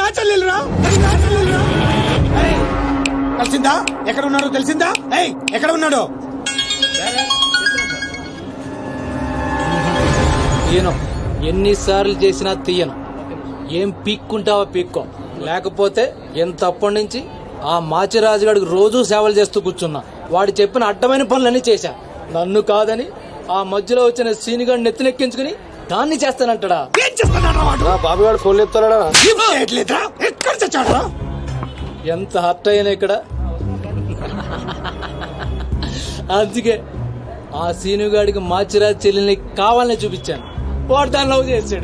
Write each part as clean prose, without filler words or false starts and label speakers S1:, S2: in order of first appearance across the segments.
S1: చెల్లెలురా. ఏయ్, తెలిసిందా ఎక్కడ ఉన్నాడో తెలిసిందా? ఏయ్ ఎక్కడ ఉన్నాడో?
S2: తీయను, ఎన్నిసార్లు చేసినా తీయను. ఏం పీక్కుంటావో పీక్కో, లేకపోతే ఎంతప్పటి నుంచి ఆ మాచిరాజు గడికి రోజూ సేవలు చేస్తూ కూర్చున్నా. వాడు చెప్పిన అడ్డమైన పనులన్నీ చేశా. నన్ను కాదని ఆ మధ్యలో వచ్చిన సీనిగాడిని నెత్తినెక్కించుకుని దాన్ని చేస్తానంటాడా?
S1: ఏం చేస్తున్నాడు వాడు?
S3: బాబు గారు ఫోన్ చెప్తాడా?
S1: ఏం చేయట్లేదురా. ఎక్కడ చచ్చాడురా?
S2: ఎంత హర్ట్ అయ్యాను ఇక్కడ. అందుకే ఆ సీనుగాడికి మాచిరాజు చెల్లెల్ని కావాలని చూపించాను. వాడు దాన్ని లవ్ చేశాడు.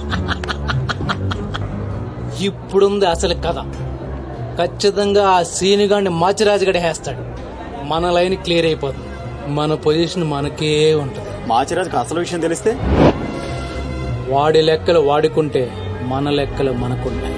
S2: ఇప్పుడుంది అసలు కథ. ఖచ్చితంగా ఆ సీనుగాడిని మాచిరాజు గడి వేస్తాడు. మన లైన్ క్లియర్ అయిపోతుంది. మన పొజిషన్ మనకే ఉంటది.
S3: మాచిరాజుకి అసలు విషయం తెలిస్తే
S2: వాడి లెక్కలు వాడుకుంటే మన లెక్కలు మనకుంటాయి.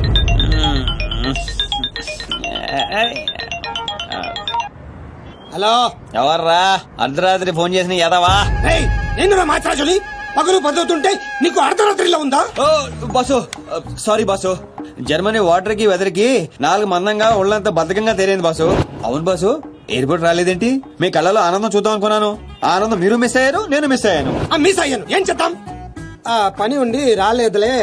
S1: హలో,
S4: ఎవర్రా అర్ధరాత్రి ఫోన్ చేసిన యదవా?
S1: ఏయ్ నేను మాత్రాజుని పగలు పదవుతుంటే నీకు అర్ధరాత్రిలో ఉందా?
S4: ఓ boss, sorry boss. Germany water కి వెదర్ కి 4 మందంగా ఒళ్ళంతా బద్ధకంగా తేలింది బాసు. అవును బాసు, ఎయిర్పోర్ట్ రాలేదేంటి? మీ కళ్ళలో ఆనందం చూద్దాం అనుకున్నాను. ఆనందం మీరు మిస్ అయ్యారు, నేను మిస్ అయ్యాను.
S1: మిస్ అయ్యాను. ఏం చేద్దాం? పని ఉండి రాలేదులే.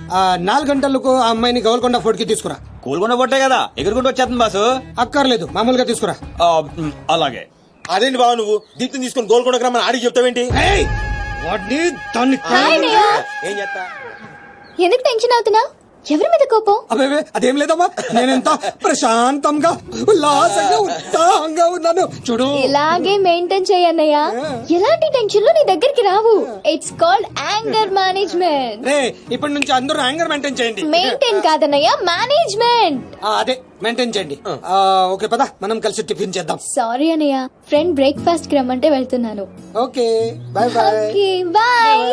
S1: 4 గంటలకు ఆ అమ్మాయిని గోల్కొండ ఫోర్ట్ కి తీసుకురా.
S4: కూల్కొండ పొట్టే కదా, ఎగురుకుంటూ వచ్చేస్తుంది బాసు.
S1: అక్కర్లేదు, మామూలుగా తీసుకురా.
S4: అలాగే.
S3: అదేంటి బాబు, నువ్వు దీప్తిని తీసుకుని గోల్కొండకు రమ్మని ఆడికి చెప్తావేంటి?
S1: ఏయ్, వాడిని దాన్ని
S3: ఏం చేస్తా?
S5: ఎందుకు టెన్షన్ అవుతున్నా? ఎవరి మీద కోపం?
S1: అబే అదేం లేదమ్మా, నేనెంత ప్రశాంతంగా ఉల్లాసంగా ఉత్సాహంగా ఉన్నాను చూడు.
S5: ఇలాగే మెయింటైన్ చేయన్నయ్య. ఎలాంటి టెన్షన్లు నీ దగ్గరికి రావు. It's called anger management.
S1: రే, ఇప్పటి నుంచి అందరూ యాంగర్ మెయింటైన్ చేయండి.
S5: మెయింటైన్ కాదన్నయ్య, మేనేజ్మెంట్.
S1: అదే మెయింటైన్ చేయండి. ఓకే పద, మనం కలిసి టిఫిన్ చేద్దాం.
S5: సారీ అన్నయ్య, ఫ్రెండ్ బ్రేక్ఫాస్ట్ కి రమ్మంటే వెళ్తున్నాను.
S1: Okay bye bye.
S5: Okay bye.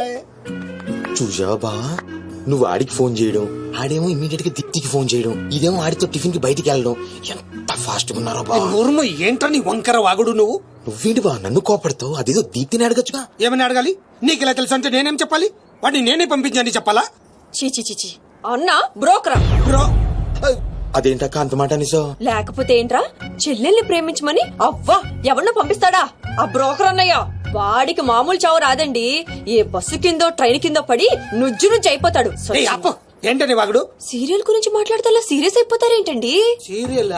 S6: చూసావా బా, నువ్వు ఆడికి ఫోన్ చేయడం, ఆడేమో ఇమీడియట్ గా దీప్తికి ఫోన్ చేయడం, ఇదేమో ఆడితో టిఫిన్ కి బయటికి వెళ్ళడం. ఎంత ఫాస్ట్ గా ఉన్నారో బా.
S1: ఊర్మ ఏంట్రా నీ వంకర వాగుడు నువ్వు?
S6: నువ్వేంటి బా నన్ను కోపడతావు? అదేదో దీప్తిని అడగచ్చుగా.
S1: ఏమని అడగాలి? నీకు ఇలా తెలుసు అంటే నేనేం చెప్పాలి? వాడిని నేనే పంపించండి చెప్పాలా?
S7: చీచి అన్న బ్రోకరా?
S1: బ్రో,
S6: అదేంటక్క అంత మాట నిజం?
S7: లేకపోతే ఏంట్రా, చెల్లెల్ని ప్రేమించమని అవ్వా ఎవరినో పంపిస్తాడా ఆ బ్రోకర్ అన్నయ్య? వాడికి మామూలు చావు రాదండి. ఏ బస్సు కిందో ట్రైన్ కిందో పడి నుజ్జు నుంచి అయిపోతాడు.
S1: ఏయ్ అప్పు, ఏంటని వాగుడు?
S7: సీరియల్ గురించి మాట్లాడితే అలా సీరియస్ అయిపోతారేంటండి?
S1: సీరియల్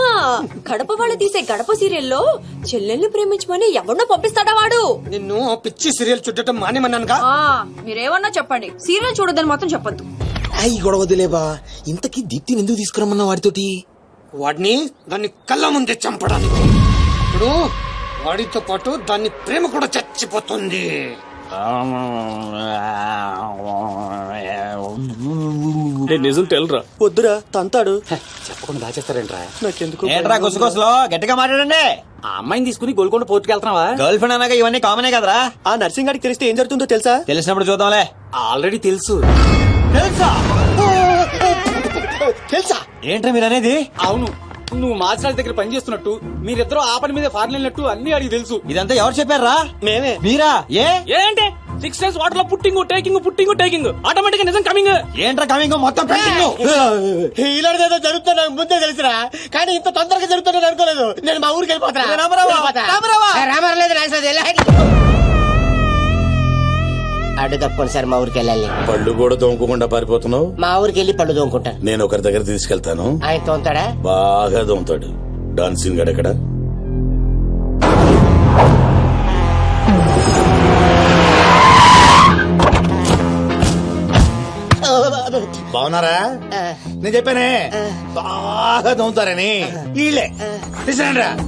S7: గడప వాళ్ళు తీసే గడప సీరియల్లో చెల్లెల్ని ప్రేమించమని ఎవరినో పంపిస్తాడా వాడు?
S1: నిన్ను పిచ్చి సీరియల్ చుట్టడం మానేమన్నానుగా.
S7: మీరేమన్నా చెప్పండి, సీరియల్ చూడదని మాత్రం చెప్పొద్దు.
S6: అయ్యి గొడవదిలే బా. ఇంతకీ దీప్తిని ఎందుకు తీసుకురమ్మన్నా వాడితోటి?
S1: వాడిని దాన్ని కళ్ళ ముందే చంపడానికి. ఇప్పుడు వాడితో పాటు దాన్ని ప్రేమ కూడా చచ్చిపోతుంది.
S3: నిజం తెలరా? వద్దురా, తంతాడు.
S2: చెప్పకుండా దాచేస్తారేంట్రా?
S3: నాకెందుకు
S4: ఏంట్రా గుసగుసలో గట్టిగా మాట్లాడండి.
S2: ఆ అమ్మాయిని తీసుకుని గోల్కొండ పోర్టుకి వెళ్తున్నావా?
S4: గర్ల్ ఫ్రెండ్ అన్నాక ఇవన్నీ కామనే కదరా.
S3: ఆ నర్సింగ్ గారికి తెలిస్తే ఏం జరుగుతుందో తెలుసా?
S4: తెలిసినప్పుడు చూద్దాంలే.
S2: ఆల్రెడీ తెలుసు.
S4: తెలుసా ఏంట్రా మీరు అనేది?
S2: అవును, నువ్వు మాచిరాజు దగ్గర పని చేస్తున్నట్టు, మీరిద్దరూ ఆ పని మీద ఫారెన్ వెళ్ళినట్టు అన్ని అడిగి తెలుసు.
S4: ఇదంతా ఎవరు చెప్పారా?
S3: మేమే.
S4: మీరా?
S2: ఏంటి 6 days వాటర్ లో పుట్టింగ్ ఆటోమేటిక్ నిజం కమింగ్.
S4: ఏంట్రా కమింగ్ మొత్తం పెండింగ్.
S3: ఇలాంటిదేదో జరుగుతున్నా నాకు ముందే తెలుసురా, కానీ ఇంత తొందరగా జరుగుతుందని అనుకోలేదు. నేను మా ఊరికి వెళ్ళిపోతా.
S8: అడ్డు తప్పకుండా సార్, మా ఊరికి వెళ్ళాలి.
S9: పళ్ళు కూడా తోముకోకుండా పారిపోతున్నావు?
S8: మా ఊరికి వెళ్ళి పళ్ళు తోముకుంటాను.
S9: నేను ఒకరి దగ్గర తీసుకెళ్తాను,
S8: ఆయన తోముతాడా?
S9: బాగా తోముతాడు. డాన్సింగ్ గడ ఎక్కడ? బాగున్నారా? నేను చెప్పానే బాగా తోముతారని. వీళ్ళే తీసుకురండి రా.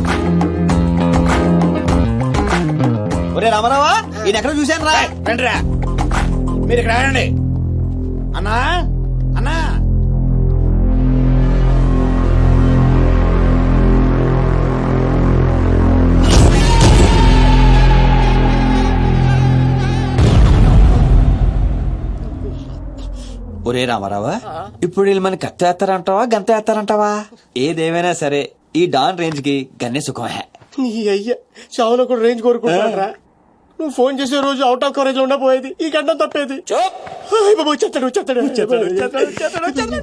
S4: ఒరే రామారావా, ఈయన ఎక్కడ చూశాను రా.
S9: రండి రా, మీరు ఇక్కడ రండి. అన్నా అన్నా,
S4: ఒరే రామారావా, ఇప్పుడు వీళ్ళు మన కత్తి వేస్తారంటావా గంత వేస్తారంటావా? ఏదేమైనా సరే ఈ డాన్ రేంజ్ కి గన్నే సుఖమే.
S3: నీ అయ్యా చావులో కూడా రేంజ్ కోరుకుంటారా? నువ్వు ఫోన్ చేసే రోజు అవుట్ ఆఫ్ కవరేజ్ లో ఉండపోయేది ఈ గంట తప్పేది హాయ్ బాబు చెప్తాడు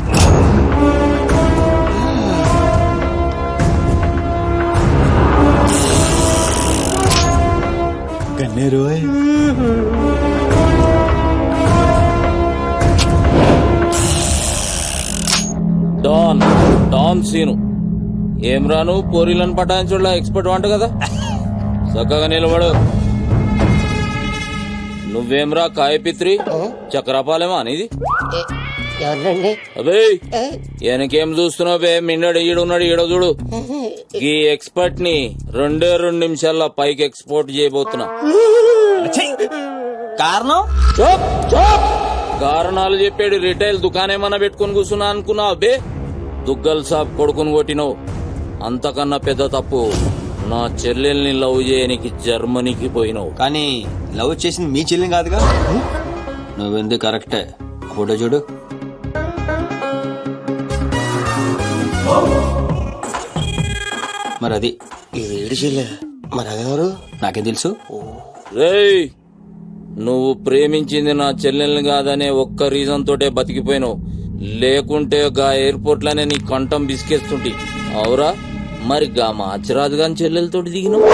S4: గన్నేరు
S2: డాన్ సీను ఏం రాను పోరీలను పటాయించుడులా ఎక్స్పర్ట్ వంట కదా చక్కగా నిలబడు. నువ్వేమ్రా కాయపిత్రి చక్రపాలేమా అనేది
S8: ఎవరండి?
S2: అబే వెనకేం చూస్తున్నావు బే మిన్నడు ఈడున్నాడు ఈడో చూడు. ఈ ఎక్స్పర్ట్ ని 2 నిమిషాల్లో పైకి ఎక్స్పోర్ట్ చేయబోతున్నా.
S4: కారణం
S2: కారణాలు చెప్పాడు. రిటైల్ దుకాణేమన్నా పెట్టుకుని కూర్చున్నా అనుకున్నావు అబ్బే. దుగ్గల్ సాబ్ కొడుకుని కొట్టినావు. అంతకన్నా పెద్ద తప్పు నా చెల్లెల్ని లవ్ చేయనికి జర్మనీకి పోయినావు.
S4: కానీ లవ్ చేసింది మీ చెల్లి కాదుగా. నువ్వెందుకు కరెక్టే. ఫోటో చూడు. మరి అది
S3: ఏడు చెల్లె మరి అదెవరు?
S4: నాకేం తెలుసు.
S2: రేయ్ నువ్వు ప్రేమించింది నా చెల్లెల్ని కాదనే ఒక్క రీజన్ తోటే బతికిపోయినావు. లేకుంటే గా ఎయిర్పోర్ట్ లోనే నీ కంఠం బిసికేస్తుంటి. అవురా మరి గా మాచిరాజు గాని చెల్లెలతోటి దిగినావు.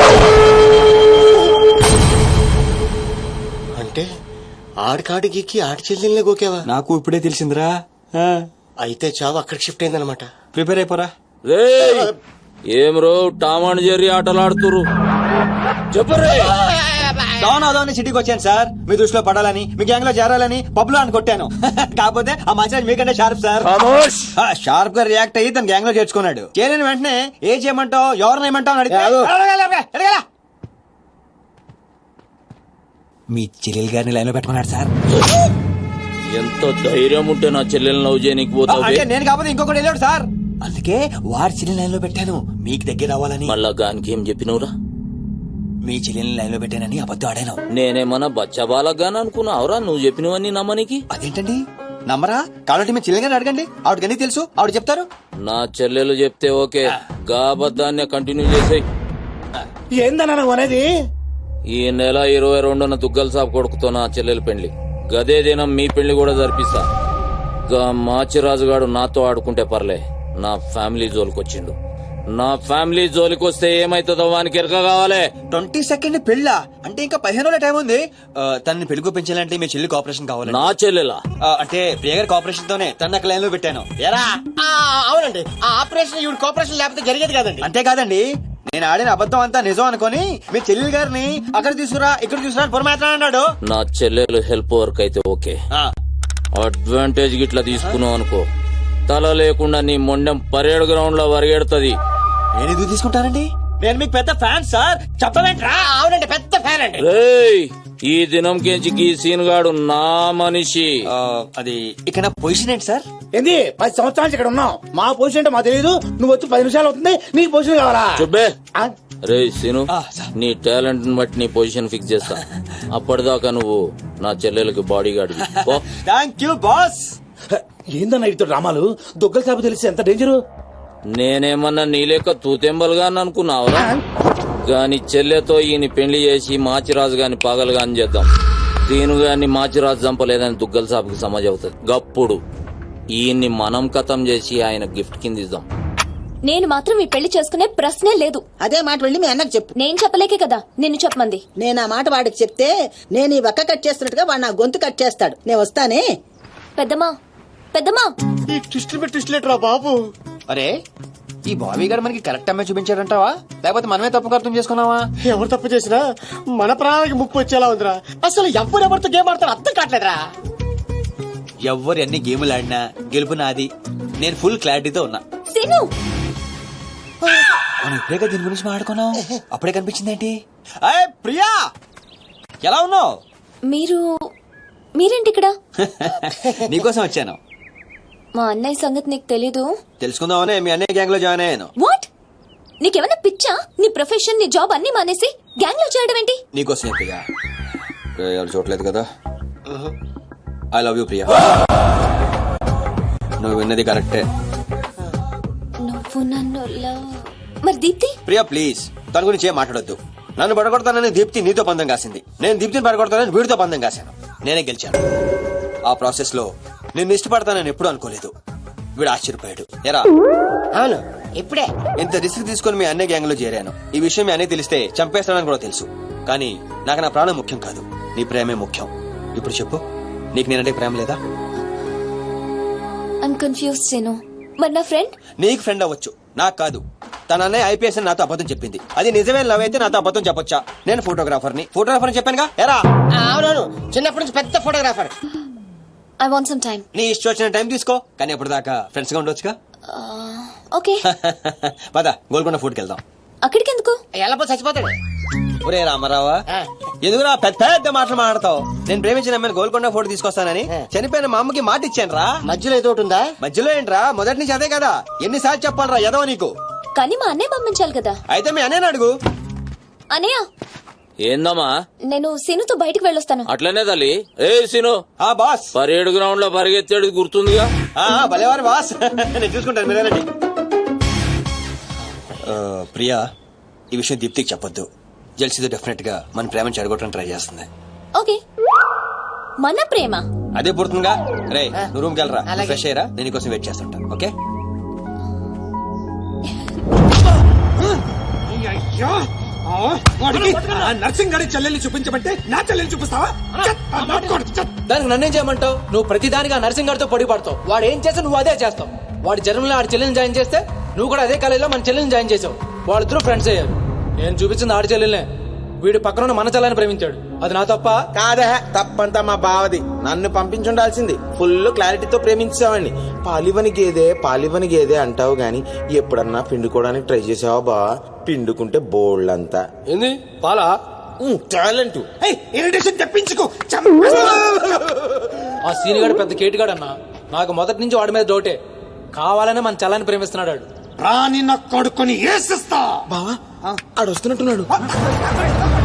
S3: అంటే ఆడికాడికి ఆడి చెల్లెల్ని గోకేవా?
S4: నాకు ఇప్పుడే తెలిసిందిరా.
S3: అయితే చావు అక్కడికి షిఫ్ట్ అయిందనమాట.
S4: ప్రిపేర్ అయిపోరా.
S2: రేయ్ ఏం రో టామ్ అండ్ జెర్రీ ఆటలాడుతురు చెప్పరే.
S4: డౌన్ అవుదామని సిటీకి వచ్చాను సార్. మీ దృష్టిలో పడాలని, మీ గ్యాంగ్ లో చేరాలని పబ్ లో అని కొట్టాను. కాకపోతే ఆ మసాజ్ మీకంటే షార్ప్ సార్. షార్ప్ గా రియాక్ట్ అయ్యి తన గ్యాంగ్ లో చేర్చుకున్నాడు. చేరిన వెంటనే ఏ చేయమంటావు ఎవరిని ఏమంటావు అని అడిగితే మీ చెల్లెలు గారిని లైన్ లో పెట్టుకున్నాడు సార్.
S2: ఎంత ధైర్యం ఉంటే నా చెల్లెల్ని లవ్ చేయనికి పోతావు.
S4: అంటే నేను కాకపోతే ఇంకొకటి వెళ్ళాడు సార్. అందుకే వారి చెల్లెని లైన్ లో పెట్టాను మీకు దగ్గర అవ్వాలని.
S2: మళ్ళా గానికి ఏం చెప్పినవురా?
S4: మీ చెల్లెని లైన్ లో పెట్టానని అబద్ధం ఆడాను.
S2: నేనేమన్నా బచ్చబాలగాని అనుకున్నావురా నువ్వు చెప్పినవన్నీ నమ్మనికి?
S4: అదేంటండి నమ్మరా? కాబట్టి మీ చెల్లెని అడగండి. ఆవిడకి తెలుసు, ఆవిడ చెప్తారు.
S2: నా చెల్లెలు చెప్తే ఓకే. గా అబద్ధాన్ని కంటిన్యూ చేసేయ్.
S9: ఏందన్నా నువ్వు అనేది?
S2: ఈ నెల 22న దుగ్గల్ సాబ్ కొడుకుతో నా చెల్లెలు పెళ్లి. గదే దినం మీ పెళ్లి కూడా జరిపిస్తా. గా మాచిరాజుగాడు నాతో ఆడుకుంటే పర్లే. నా ఫ్యామిలీ జోలికొచ్చిండు. నా ఫ్యామిలీ జోలికొస్తే ఏమైతుందో వానికి ఎరక కావాలి.
S4: 22nd పెళ్ళా? అంటే ఇంకా 15 రోజుల టైం ఉంది. తనని పెళ్లికి పెంచాలంటే మీ చెల్లి కోఆపరేషన్ కావాలి.
S2: నా చెల్లెలా?
S4: అంటే ప్రియ గారి కోఆపరేషన్ తోనే తన లైన్ లో పెట్టాను.
S3: ఎరా అవునండి. ఆ ఆపరేషన్ ఈవిడ కోఆపరేషన్ లేకపోతే జరిగేది కాదండి.
S4: అంతేకాదండి నేను ఆడిన అబద్ధం అంతా నిజం అనుకొని మీ చెల్లెలు గారిని అక్కడ తీసుకురా ఇక్కడ తీసుకురా అని పొరమాత్రం అన్నాడు.
S2: నా చెల్లెలు హెల్ప్ వర్క్ అయితే ఓకే. అడ్వాంటేజ్ గిట్లా తీసుకున్నావు అనుకో తల లేకుండా నీ మొండెం పరేడ్ గ్రౌండ్ లో వరిగెడుతుంది.
S4: నేను ఎందుకు తీసుకుంటానండి? నేను మీకు పెద్ద ఫ్యాన్ సార్. చెప్పవేంట్రా?
S3: అవునండి పెద్ద ఫ్యాన్ అండి.
S2: రేయ్ ఈ దినం కెంచి ఈ సీన్ గాడు నా మనిషి.
S4: అది ఇక నా పొజిషన్ ఏంటి సార్?
S9: ఏంది 10 సంవత్సరాలు ఇక్కడ ఉన్నావు. మా పొజిషన్ అంటే మాకు తెలియదు. నువ్వు వచ్చి 10 నిమిషాలు అవుతుంది. నీకు పొజిషన్ కావాలా?
S2: చెప్పే.
S9: ఆ?
S2: రే సీను నీ టాలెంట్ ని బట్టి నీ పొజిషన్ ఫిక్స్ చేస్తా. అప్పటిదాకా నువ్వు నా చెల్లెలకి bodyguard.
S4: Thank you boss.
S9: ఏందన్నా ఇటు రామాలు దుగ్గల సాబు తెలిసి ఎంత డేంజరు?
S2: నేనేమన్నా నీ లెక్క తూతెంబలుగా అనుకున్నావురా? గాని చెల్లెతో ఈయన పెళ్లి చేసి మాచిరాజు గాని పాగలు గాని చేద్దాం. దీని గాని మాచిరాజు చంపలేదని దుగ్గల సాబుకి సమాజ్ అవుతుంది. గప్పుడు ఈయన్ని మనం కథం చేసి ఆయన గిఫ్ట్ కింద ఇద్దాం.
S5: నేను మాత్రం ఈ పెళ్లి చేసుకునే ప్రశ్నే లేదు.
S10: అదే మాట వెళ్ళి మీ అన్నకు చెప్పు.
S5: నేను చెప్పలేకే కదా నిన్ను చెప్పమంది.
S10: నేను ఆ మాట వాడికి చెప్తే నేను ఈ వక్క కట్ చేస్తున్నట్టుగా వాడు నా గొంతు కట్ చేస్తాడు. నేను వస్తానే.
S5: పెద్దమ్మా పెద్దమ్మా
S3: ఈ ట్విస్టులు పెట్టి ట్విస్టులేట్రా బాబు.
S4: అరే ఈ బాబీ గారు మనకి కరెక్ట్ అమ్మాయి చూపించారంటావా లేకపోతే మనమే తప్పుగా అర్థం చేసుకున్నావా?
S3: ఎవరు తప్పు చేసినా మన ప్రాణానికి ముప్పు వచ్చేలా ఉందిరా. అసలు ఎవరెవరితో గేమ్ ఆడతారు అర్థం కావట్లేదురా.
S4: ఎవరు ఎన్ని గేములు ఆడినా గెలుపు నాది. నేను ఫుల్ క్లారిటీతో ఉన్నా.
S5: సీను
S4: మనం ఇప్పుడే దీని గురించి మాట్లాడుకున్నాం. అప్పుడే కనిపించింది ఏంటి? ప్రియా ఎలా ఉన్నావు?
S5: మీరేంటి ఇక్కడ?
S4: నీకోసం వచ్చాను.
S5: మా అన్నయ్య సంగతి నీకు తెలీదు.
S4: తెలుసుకుందామనే మీ అన్నయ్య గ్యాంగ్ లో జాయిన్ అయ్యాను.
S5: వాట్? నీకేమైనా పిచ్చా? నీ ప్రొఫెషన్ నీ జాబ్ అన్ని మానేసి గ్యాంగ్ లో చేయడం ఏంటి?
S4: నీకోసం ప్రియా. ఎవరు చూడలేదు కదా. I love you Priya. నువ్వు విన్నది కరెక్టే.
S5: నువ్వు నన్ను మరి దీప్తి?
S4: ప్రియా ప్లీజ్ తన గురించి ఏం మాట్లాడొద్దు. నన్ను పడగొడతానని దీప్తి నీతో పందెం కాసింది, నేను దీప్తిని పడగొడతానని వీడితో పందెం కాశాను. నేనే గెలిచాను. ఆ ప్రాసెస్ లో నిన్ను ఇష్టపడతానని ఎప్పుడూ అనుకోలేదు. వీడు ఆశ్చర్యపోయాడు. ఎరా
S8: అవును ఇప్పుడే
S4: ఇంత రిస్క్ తీసుకుని మీ అన్నయ్య గ్యాంగ్ లో చేరాను. ఈ విషయం మీ అన్నయ్య తెలిస్తే చంపేస్తానని కూడా తెలుసు. కానీ నాకు నా ప్రాణం ముఖ్యం కాదు, నీ ప్రేమే ముఖ్యం. ఇప్పుడు చెప్పు, నీకు నేనంటే ప్రేమ లేదా?
S5: I'm confuse Seenu. మరి నా ఫ్రెండ్?
S4: నీకు ఫ్రెండ్ అవ్వచ్చు, నాకు కాదు. తన అన్నయ్య ఐపీఎస్ అని నాతో అబద్ధం చెప్పింది. అది నిజమే లవ్ అయితే నాతో అబద్ధం చెప్పొచ్చా? నేను ఫోటోగ్రాఫర్ని చెప్పానుగా. ఎరా
S8: అవునవును చిన్నప్పటి నుంచి పెద్ద photographer.
S5: I want some time.
S4: నీ ఇష్టం వచ్చిన టైం తీసుకో, కానీ అప్పటిదాకా ఫ్రెండ్స్ గా ఉండొచ్చుగా.
S5: ఓకే.
S4: పద గోల్కొండ ఫుడ్కి వెళ్దాం.
S5: అక్కడికి ఎందుకు?
S8: ఎలా చచ్చిపోతాడు.
S4: ఒరే రామారావా, ఎందుకురా పెద్ద పెద్ద మాటలు మాట్లాడతావు? నేను ప్రేమించిన అమ్మాయిని గోల్కొండ ఫోటో తీసుకొస్తానని చనిపోయిన మా అమ్మకి మాట ఇచ్చాను రా.
S8: మధ్యలో ఏదో ఒకటి ఉందా?
S4: మధ్యలో ఏంట్రా, మొదటి నుంచి అదే కదా. ఎన్నిసార్లు చెప్పాలరా ఎదవ నీకు?
S5: కానీ మా అన్నయ్య పంపించాలి కదా.
S4: అయితే మీ అన్నయ్యని అడుగు.
S5: అన్నయ్య
S2: ఏందమ్మా?
S5: నేను సీనుతో బయటకు వెళ్ళొస్తాను.
S2: అట్లనే తల్లి. ఏ సీను,
S4: ఆ బాస్
S2: పరేడ్ గ్రౌండ్ లో పరిగెత్తాడు గుర్తుందిగా?
S4: భలేవారు బాస్. నేను చూసుకుంటాను, మీరేనండి. ప్రియా, ఈ విషయం దీప్తికి చెప్పొద్దు. జెల్సీతో డెఫినెట్ గా మన ప్రేమను చెడగొట్టడానికి ట్రై చేస్తుంది.
S5: ఓకే. మన ప్రేమ
S4: అదే పుడుతుందిగా. రే నువ్వు రూమ్కి వెళ్ళరా, ఫ్రెష్ అయ్యరా, నేను నీకోసం వెయిట్ చేస్తుంటా. ఓకే.
S1: అయ్యో, వాడికి ఆ నర్సింగ్ గారి చెల్లెల్ని చూపించమంటే నా చెల్లెల్ని చూపిస్తావా?
S2: దానికి నన్నేం చేయమంటావు? నువ్వు ప్రతిదానికి ఆ నర్సింగ్ గారితో పొడి పడతావు. వాడు ఏం చేస్తే నువ్వు అదే చేస్తావు. వాడి జన్మలో ఆడి చెల్లెల్ని జాయిన్ చేస్తే నువ్వు కూడా అదే కాలేజీలో మన చెల్లెల్ని జాయిన్ చేసావు. వాళ్ళిద్దరూ ఫ్రెండ్స్ అయ్యారు. నేను చూపించింది ఆడి చెల్లెల్నే. వీడు పక్కన మన చెల్లని ప్రేమించాడు. అది నా తప్ప
S3: కాదా? తప్పంతా మా బావది. నన్ను పంపించుండాల్సింది. ఫుల్ క్లారిటీతో ప్రేమించావండి. పాలివని గేదే అంటావు గాని ఎప్పుడన్నా పిండుకోవడానికి ట్రై చేసావా బా? పిండుకుంటే బోల్డంతా.
S2: ఏంది పాలా?
S3: టాలెంట్.
S1: ఇరిటేషన్ తెప్పించుకో.
S2: ఆ సీనిగాడు పెద్ద కేటుగాడు అన్న. నాకు మొదటి నుంచి వాడి మీద డౌటే. కావాలనే మన చల్లని ప్రేమిస్తున్నాడు.
S1: రాని నా కొడుకుని ఏసిస్తా.
S3: బావా ఆడు వస్తున్నట్టున్నాడు.